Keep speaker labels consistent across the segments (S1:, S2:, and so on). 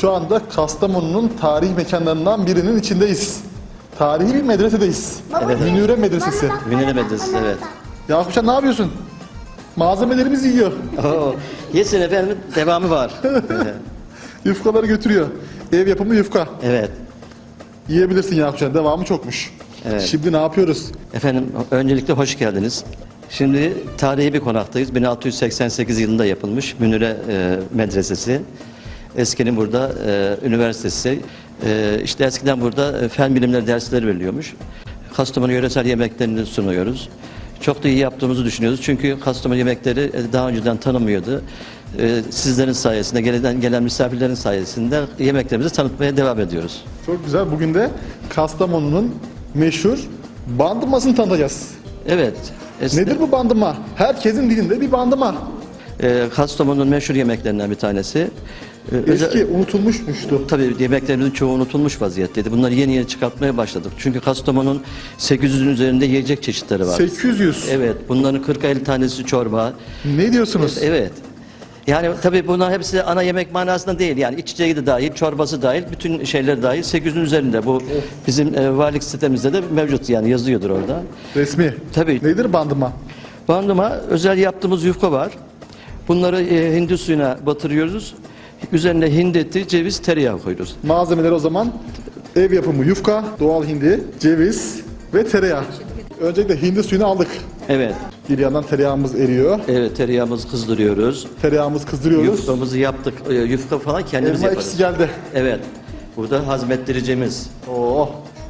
S1: Şu anda Kastamonu'nun tarihi mekanlarından birinin içindeyiz. Tarihi bir medresedeyiz.
S2: Evet.
S1: Münire Medresesi.
S2: Münire Medresesi, evet.
S1: Yakupcan ne yapıyorsun? Malzemelerimizi yiyor.
S2: Oo, yesin efendim, devamı var.
S1: Yufkaları götürüyor. Ev yapımı yufka.
S2: Evet.
S1: Yiyebilirsin Yakupcan. Devamı çokmuş.
S2: Evet.
S1: Şimdi ne yapıyoruz?
S2: Efendim, öncelikle hoş geldiniz. Şimdi tarihi bir konaktayız. 1688 yılında yapılmış Münire Medresesi. Eskinin burada üniversitesi. İşte eskiden burada fen bilimleri dersleri veriliyormuş. Kastamonu yöresel yemeklerini sunuyoruz. Çok da iyi yaptığımızı düşünüyoruz. Çünkü Kastamonu yemekleri daha önceden tanınmıyordu. Sizlerin sayesinde, gelen misafirlerin sayesinde yemeklerimizi tanıtmaya devam ediyoruz.
S1: Çok güzel. Bugün de Kastamonu'nun meşhur bandımasını tanıtacağız.
S2: Evet.
S1: Nedir bu bandıma? Herkesin dilinde bir bandıma.
S2: Kastamonu'nun meşhur yemeklerinden bir tanesi.
S1: Eski unutulmuşmuştu.
S2: Tabii yemeklerimizin çoğu unutulmuş vaziyetteydi. Bunları yeni yeni çıkartmaya başladık. Çünkü Kastamonu'nun 800'ün üzerinde yiyecek çeşitleri var.
S1: 800.
S2: Evet. Bunların 40-50 tanesi çorba.
S1: Ne diyorsunuz?
S2: Evet. Yani tabii bunlar hepsi ana yemek manasında değil. Yani içeceği de dahil, çorbası dahil, bütün şeyler dahil 800'ün üzerinde. Bu bizim valilik sitemizde de mevcut, yani yazıyordur orada.
S1: Resmi.
S2: Tabii.
S1: Nedir bandıma?
S2: Bandıma özel yaptığımız yufka var. Bunları hindi suyuna batırıyoruz. Üzerine hindi eti, ceviz, tereyağı koyuyoruz.
S1: Malzemeler o zaman ev yapımı yufka, doğal hindi, ceviz ve tereyağı. Öncelikle hindi suyunu aldık.
S2: Evet.
S1: Bir yandan tereyağımız eriyor.
S2: Evet, tereyağımızı kızdırıyoruz.
S1: Tereyağımızı kızdırıyoruz.
S2: Yufkamızı yaptık. Yufka falan kendimiz
S1: Elma
S2: yaparız.
S1: ekşisi geldi.
S2: Evet. Burada hazmettiricimiz.
S1: Oo.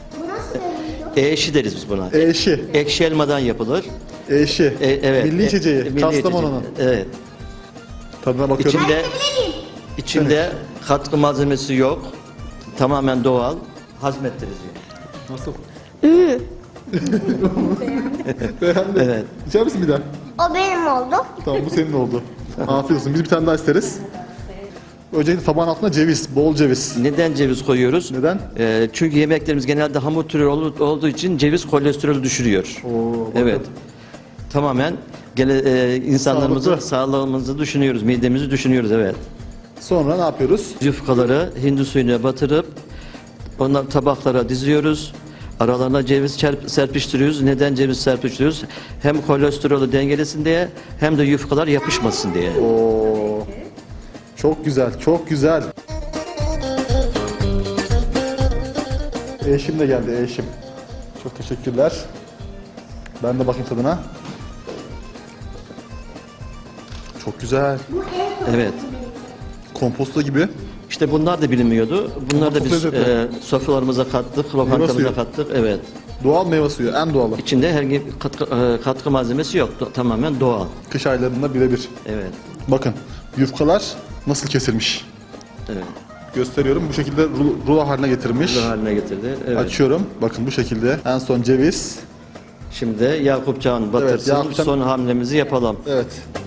S2: Eşi deriz biz buna.
S1: Eşi.
S2: Ekşi elmadan yapılır.
S1: Eşi.
S2: Evet.
S1: Milli içeceği.
S2: Milli
S1: Kastamonu'nun.
S2: içeceği. Evet.
S1: Tadına bakıyorum.
S2: İçinde katkı malzemesi yok. Tamamen doğal. Hazmettirici.
S1: Nasıl?
S3: Hmm.
S1: Beğendim.
S2: Evet.
S1: İçer misin bir daha?
S3: O benim oldu.
S1: Tamam, bu senin oldu. Afiyet olsun. Biz bir tane daha isteriz. Öncelikle tabağın altına ceviz, bol ceviz.
S2: Neden ceviz koyuyoruz?
S1: Neden?
S2: Çünkü yemeklerimiz genelde hamur türü olduğu için ceviz kolesterolü düşürüyor.
S1: Oo, bakın.
S2: Evet. Tamamen insanlarımızı,
S1: Sağlıklı.
S2: sağlığımızı düşünüyoruz, midemizi düşünüyoruz, evet.
S1: Sonra ne yapıyoruz?
S2: Yufkaları hindi suyuna batırıp onları tabaklara diziyoruz. Aralarına ceviz serpiştiriyoruz. Neden ceviz serpiştiriyoruz? Hem kolesterolü dengelesin diye, hem de yufkalar yapışmasın diye.
S1: Oo. Çok güzel, çok güzel. Eşim de geldi, eşim. Çok teşekkürler. Ben de bakayım tadına. Çok güzel.
S2: Evet.
S1: Komposto gibi.
S2: İşte bunlar da bilinmiyordu. Bunlar da
S1: çok
S2: biz
S1: lezzetli.
S2: sofralarımıza kattık,
S1: suyu.
S2: lokantamıza kattık. Evet.
S1: Doğal meyve suyu, en doğalı.
S2: İçinde herhangi bir katkı malzemesi yok. Tamamen doğal.
S1: Kış aylarında birebir.
S2: Evet.
S1: Bakın, yufkalar nasıl kesilmiş.
S2: Evet.
S1: Gösteriyorum. Bu şekilde rulo haline getirmiş.
S2: Bu haline getirdi. Evet.
S1: Açıyorum. Bakın bu şekilde. En son ceviz.
S2: Şimdi Yakupcan batırsın.
S1: Yakupcan-
S2: Son hamlemizi yapalım.
S1: Evet.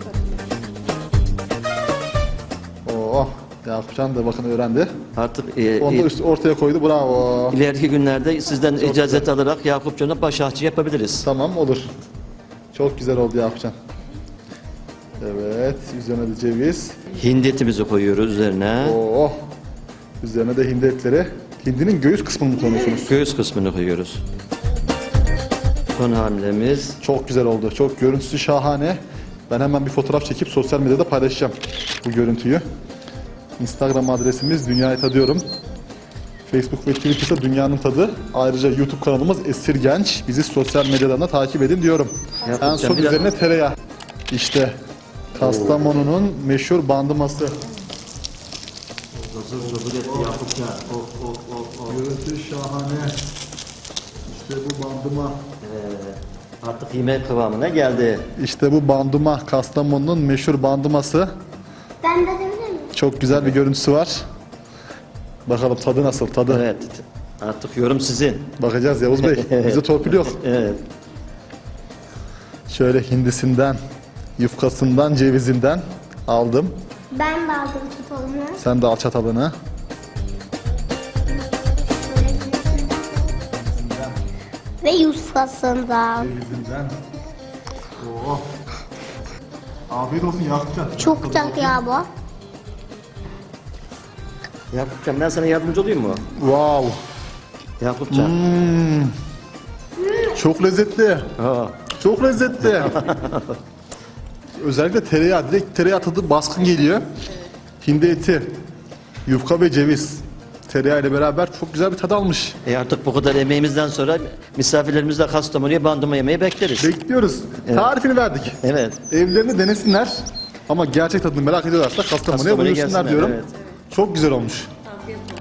S1: Oo, Yakupcan da bakın öğrendi.
S2: Artık
S1: Onu da ortaya koydu. Bravo.
S2: ileriki günlerde sizden icazet
S1: güzel.
S2: alarak Yakupcan'a baş ahçı yapabiliriz.
S1: Tamam, olur. Çok güzel oldu Yakupcan. Evet. Üzerine de ceviz.
S2: Hindi etimizi koyuyoruz üzerine.
S1: Oo. Üzerine de hindi etleri. Hindinin göğüs kısmını mı koyuyorsunuz?
S2: Göğüs kısmını koyuyoruz. Son hamlemiz.
S1: Çok güzel oldu. Çok görüntüsü şahane. Ben hemen bir fotoğraf çekip sosyal medyada paylaşacağım bu görüntüyü. Instagram adresimiz Dünyayı Tadıyorum. Facebook ve Twitter'da Dünyanın Tadı. Ayrıca YouTube kanalımız Esir Genç. Bizi sosyal medyadan da takip edin diyorum.
S2: Yapacağım.
S1: En son
S2: Bir
S1: üzerine
S2: dakika.
S1: tereyağı. İşte Kastamonu'nun meşhur bandıması. Görüntü şahane. İşte bu bandıma.
S2: Artık yemek kıvamına geldi.
S1: İşte bu bandıma. Kastamonu'nun meşhur bandıması.
S3: Ben de dedim mi?
S1: Çok güzel bir görüntüsü var. Bakalım tadı nasıl? Tadı.
S2: Evet. Artık yorum sizin.
S1: Bakacağız Yavuz Bey. Bize torpil yok.
S2: Evet.
S1: Şöyle hindisinden, yufkasından, cevizinden aldım.
S3: Ben de aldım çatalımı.
S1: Sen de al çatalını.
S3: Ve yufkasından.
S1: Cevizinden. Oo. Afiyet olsun Yakupcan.
S3: Çok güzel ya bu.
S2: Yakupcan ben sana yardımcı olayım mı?
S1: Wow.
S2: Yakupcan.
S1: Çok lezzetli.
S2: Ha.
S1: Çok lezzetli. Özellikle tereyağı, direkt tereyağı tadı baskın geliyor. Hindi eti, yufka ve ceviz. Tereyağı ile beraber çok güzel bir tad almış.
S2: Artık bu kadar emeğimizden sonra misafirlerimizle Kastamonu'ya bandırma yemeği bekleriz.
S1: Bekliyoruz. Tarifini verdik.
S2: Evet.
S1: Evlerini denesinler. Ama gerçek tadını merak ediyorlarsa Kastamonu'ya
S2: Kastamonu'ya
S1: buyursunlar
S2: gelsinler,
S1: diyorum.
S2: evet.
S1: Çok güzel olmuş.
S4: Afiyet olsun.